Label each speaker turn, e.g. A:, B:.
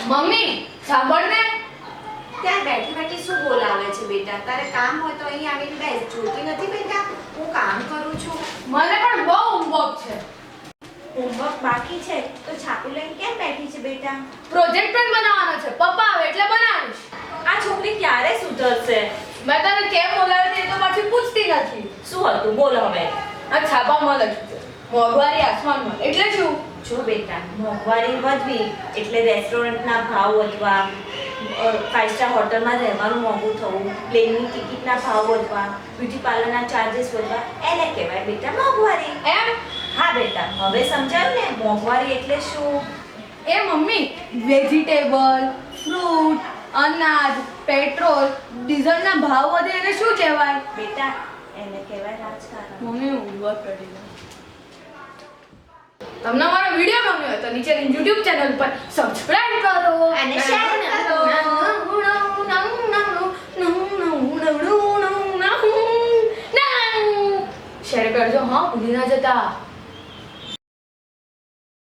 A: Mummy સાંભળ ને.
B: ત્યાં બેઠી બેઠી શું બોલાવે છે બેટા? તારે કામ હોય તો અહીં આવીને બેસ. જોતી નથી બેટા હું કામ કરું છું?
A: મને પણ બહુ હોમવર્ક છે.
B: હોમવર્ક બાકી છે તો છાપું લઈને કેમ બેઠી છે બેટા?
A: પ્રોજેક્ટ પણ બનાવવાનો છે. પપ્પા આવે એટલે બનાવીશ.
B: આ છોકરી ક્યારે સુધરશે?
A: મેં તને કેમ બોલાવી હતી એ તો પાછી પૂછતી નથી.
B: શું હતું બોલ હવે.
A: આ છાપામાં લખ્યું છે મોંઘવારી આસમાનમાં. એટલે શું?
B: જો બેટા, મોંઘવારી વધવી એટલે રેસ્ટોરન્ટના ભાવ વધવા, 5 સ્ટાર હોટલમાં રહેવાનું મોંઘું થવું, પ્લેનની ટિકિટના ભાવ વધવા, બ્યુટી પાર્લરના ચાર્जेस વધવા, એને કહેવાય બેટા મોંઘવારી.
A: એમ?
B: હા બેટા, હવે સમજાયું ને મોંઘવારી એટલે શું?
A: એ મમ્મી, વેજીટેબલ, ફ્રૂટ, અનાજ, પેટ્રોલ, ડીઝલના ભાવ વધે એને શું કહેવાય?
B: બેટા એને કહેવાય રાજકારણ.
A: મમ્મી હોમવર્ક કરી લે. તમને મારો વિડિયો ગમ્યો હોય તો નીચેની YouTube ચેનલ પર સબસ્ક્રાઇબ કરો
B: અને શેર કરો.
A: શેર કરજો હા, ભૂલી ના જતા.